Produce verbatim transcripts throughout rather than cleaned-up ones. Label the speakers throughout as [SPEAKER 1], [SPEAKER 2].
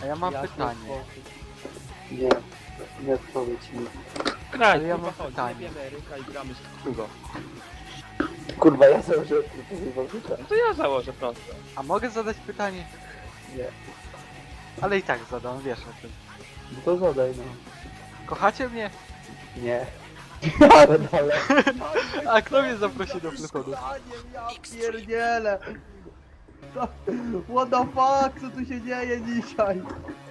[SPEAKER 1] A ja mam
[SPEAKER 2] Jasny
[SPEAKER 1] pytanie.
[SPEAKER 2] sposób.
[SPEAKER 3] Nie, nie odpowiedź mi.
[SPEAKER 4] Graj,
[SPEAKER 1] Ale ja
[SPEAKER 4] kurwa,
[SPEAKER 1] mam
[SPEAKER 4] chodź,
[SPEAKER 1] pytanie.
[SPEAKER 4] jebiemy Eryka i gramy z Hugo.
[SPEAKER 3] Kurwa, ja założyłem tylko
[SPEAKER 4] No to ja założę prosto.
[SPEAKER 1] A mogę zadać pytanie?
[SPEAKER 3] Nie.
[SPEAKER 1] Ale i tak zadam, wiesz o tym.
[SPEAKER 3] No to zadaj, no.
[SPEAKER 1] Kochacie mnie?
[SPEAKER 3] Nie. Ale dalej.
[SPEAKER 1] A kto mnie zaprosi do fluchodu?
[SPEAKER 2] Ja pierdzielę! Co? What the fuck, co tu się dzieje dzisiaj?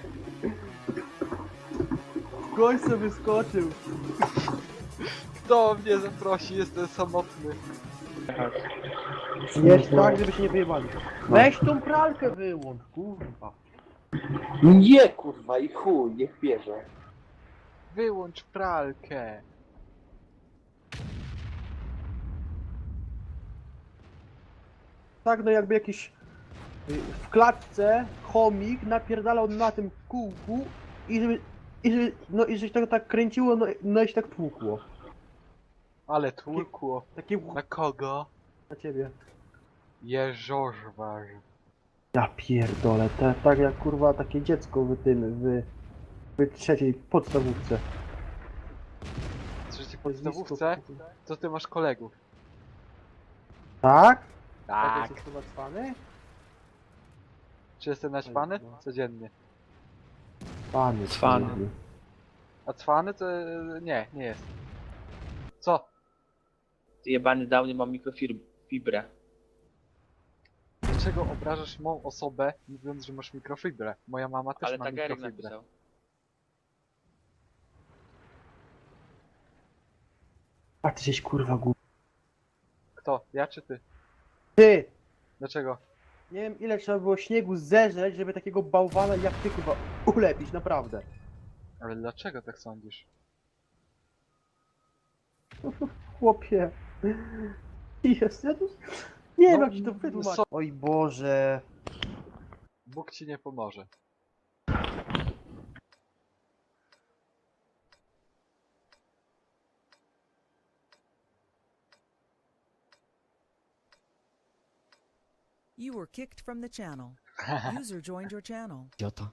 [SPEAKER 2] Gość sobie wyskoczył.
[SPEAKER 1] Kto mnie zaprosi? Jestem samotny.
[SPEAKER 2] Jest tak, żeby się nie wyjebali. Weź tą pralkę wyłącz, kurwa.
[SPEAKER 3] Nie, kurwa, i chuj, niech bierze.
[SPEAKER 1] Wyłącz pralkę.
[SPEAKER 2] Tak, no jakby jakiś y, w klatce chomik napierdalał na tym kółku i żeby, i żeby, no i żeś tak, tak kręciło, no, no i się tak tłukło.
[SPEAKER 1] Ale tłukło.
[SPEAKER 2] Takie
[SPEAKER 1] Na kogo?
[SPEAKER 2] na ciebie.
[SPEAKER 1] Jeżożwarz.
[SPEAKER 2] Ja pierdolę, te, tak jak kurwa takie dziecko w tym, w, w trzeciej podstawówce.
[SPEAKER 1] W trzeciej podstawówce? To ty masz kolegów.
[SPEAKER 2] Tak?
[SPEAKER 1] Tak.
[SPEAKER 2] Jesteś chyba cwany?
[SPEAKER 1] Czy jestem naćpany?
[SPEAKER 2] No.
[SPEAKER 1] Codziennie.
[SPEAKER 2] Cwany.
[SPEAKER 4] Cwany.
[SPEAKER 2] kurde.
[SPEAKER 1] A cwany to... e, nie, nie jest. Co?
[SPEAKER 4] Ty jebany downy mam mikrofibrę.
[SPEAKER 1] Dlaczego obrażasz mą osobę, mówiąc, że masz mikrofibrę? Moja mama też
[SPEAKER 4] Ale
[SPEAKER 1] ma
[SPEAKER 4] tak Eryk
[SPEAKER 1] mikrofibrę.
[SPEAKER 4] napisał.
[SPEAKER 2] A ty żeś kurwa głupi.
[SPEAKER 1] Kto? Ja czy ty?
[SPEAKER 2] Ty!
[SPEAKER 1] Dlaczego?
[SPEAKER 2] Nie wiem ile trzeba było śniegu zeżreć, żeby takiego bałwana jak ty kurwa ulepić, naprawdę.
[SPEAKER 1] Ale dlaczego tak sądzisz?
[SPEAKER 2] Chłopie. Jest, ja tu... Nie wiem
[SPEAKER 1] No,
[SPEAKER 2] jak ci to wytłumaczyć.
[SPEAKER 1] so-
[SPEAKER 2] Oj Boże.
[SPEAKER 1] Bóg ci nie pomoże.
[SPEAKER 5] You were kicked from the channel. User joined your channel.
[SPEAKER 6] Idiota.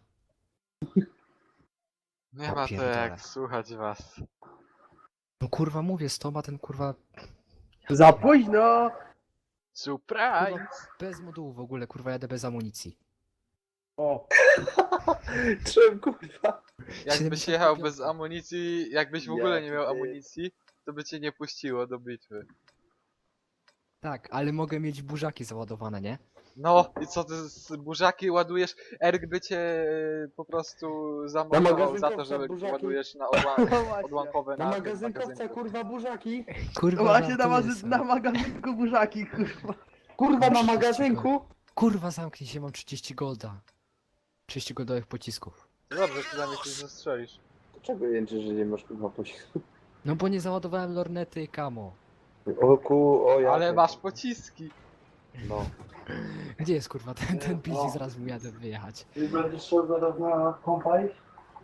[SPEAKER 1] Nie ma to
[SPEAKER 6] pierdolę.
[SPEAKER 1] jak słuchać was.
[SPEAKER 6] No kurwa mówię, z tobą ten kurwa
[SPEAKER 2] Za późno!
[SPEAKER 1] Surprise!
[SPEAKER 6] bez modułu w ogóle, kurwa jadę bez amunicji.
[SPEAKER 2] O,
[SPEAKER 3] Czym, kurwa?
[SPEAKER 1] Jakbyś
[SPEAKER 6] siedemdziesiąt
[SPEAKER 1] jechał
[SPEAKER 6] pięć.
[SPEAKER 1] bez amunicji, jakbyś w
[SPEAKER 3] Ja
[SPEAKER 1] ogóle nie miał
[SPEAKER 3] ty.
[SPEAKER 1] amunicji, to by cię nie puściło do bitwy.
[SPEAKER 6] Tak, ale mogę mieć burzaki załadowane, nie?
[SPEAKER 1] No i co ty z burzaki ładujesz? Eryk by cię e, po prostu zamordował za to,
[SPEAKER 3] magazynkowca
[SPEAKER 1] że
[SPEAKER 3] burzaki.
[SPEAKER 1] ładujesz na odła
[SPEAKER 2] no właśnie.
[SPEAKER 1] odłamkowe
[SPEAKER 3] Na
[SPEAKER 1] na tym
[SPEAKER 3] magazynkowca,
[SPEAKER 1] magazynku.
[SPEAKER 3] kurwa, burzaki.
[SPEAKER 6] Kurwa,
[SPEAKER 2] Właśnie na,
[SPEAKER 6] żartuję
[SPEAKER 2] mazy-
[SPEAKER 6] sobie.
[SPEAKER 2] na magazynku burzaki, kurwa.
[SPEAKER 3] Kurwa, na magazynku.
[SPEAKER 6] Kurwa zamknij się, mam trzydzieści golda. trzydzieści goldowych pocisków.
[SPEAKER 1] Dobrze, przynajmniej się zastrzelisz.
[SPEAKER 3] Dlaczego jęczy, że nie masz kurwa pocisku?
[SPEAKER 6] No bo nie załadowałem lornety i kamo.
[SPEAKER 3] O ku, o ja.
[SPEAKER 1] Ale masz pociski.
[SPEAKER 3] No.
[SPEAKER 6] Gdzie jest kurwa ten, ten pizzi, zaraz mu jadę wyjechać.
[SPEAKER 3] Ty będziesz szedł zaraz na kompa iść?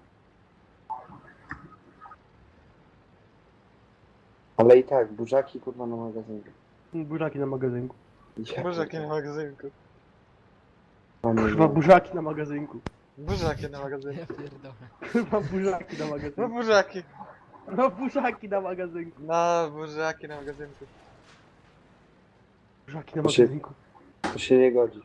[SPEAKER 3] Ale i tak, burzaki kurwa na magazynku.
[SPEAKER 2] Burzaki na magazynku.
[SPEAKER 3] Ja
[SPEAKER 1] Burzaki na magazynku.
[SPEAKER 3] pierdolę.
[SPEAKER 2] Kurwa burzaki na magazynku.
[SPEAKER 1] Burzaki na magazynku.
[SPEAKER 6] Ja pierdolę.
[SPEAKER 2] Kurwa burzaki na
[SPEAKER 1] No
[SPEAKER 2] magazynku.
[SPEAKER 1] burzaki.
[SPEAKER 2] No burzaki na magazynku.
[SPEAKER 1] No burzaki na magazynku.
[SPEAKER 2] Burzaki na
[SPEAKER 3] To się-
[SPEAKER 2] magazynku.
[SPEAKER 3] To się nie godzi.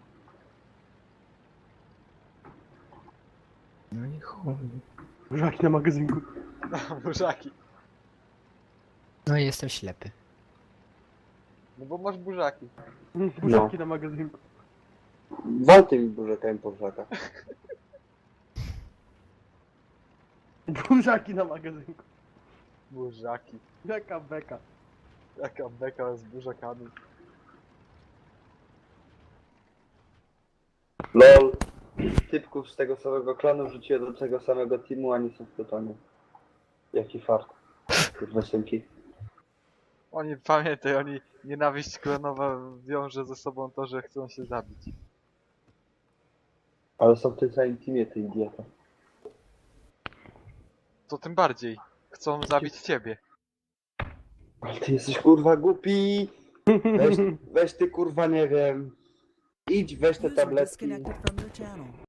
[SPEAKER 6] No i chuj.
[SPEAKER 2] Burzaki na magazynku.
[SPEAKER 1] No burzaki.
[SPEAKER 6] No i jestem ślepy.
[SPEAKER 1] No bo masz burzaki.
[SPEAKER 2] Burzaki na magazynku.
[SPEAKER 3] Wal tymi burzakami po burzakach.
[SPEAKER 2] Burzaki na magazynku.
[SPEAKER 1] Burzaki.
[SPEAKER 2] Beka, beka.
[SPEAKER 1] Jaka beka z burzakami.
[SPEAKER 3] LOL. Typków z tego samego klanu wrzuciłem do tego samego teamu, a nie są w pytaniu. Jaki fart. Kurwa synki.
[SPEAKER 1] Oni, pamiętaj, oni nienawiść klonowa wiąże ze sobą to, że chcą się zabić.
[SPEAKER 3] Ale są w tym samym teamie, ty idiota.
[SPEAKER 1] To tym bardziej. Chcą zabić ciebie.
[SPEAKER 3] Ale ty jesteś kurwa głupi. Weź, weź ty kurwa nie wiem. Idź, weź te
[SPEAKER 5] User
[SPEAKER 3] tabletki.
[SPEAKER 5] disconnected from your channel.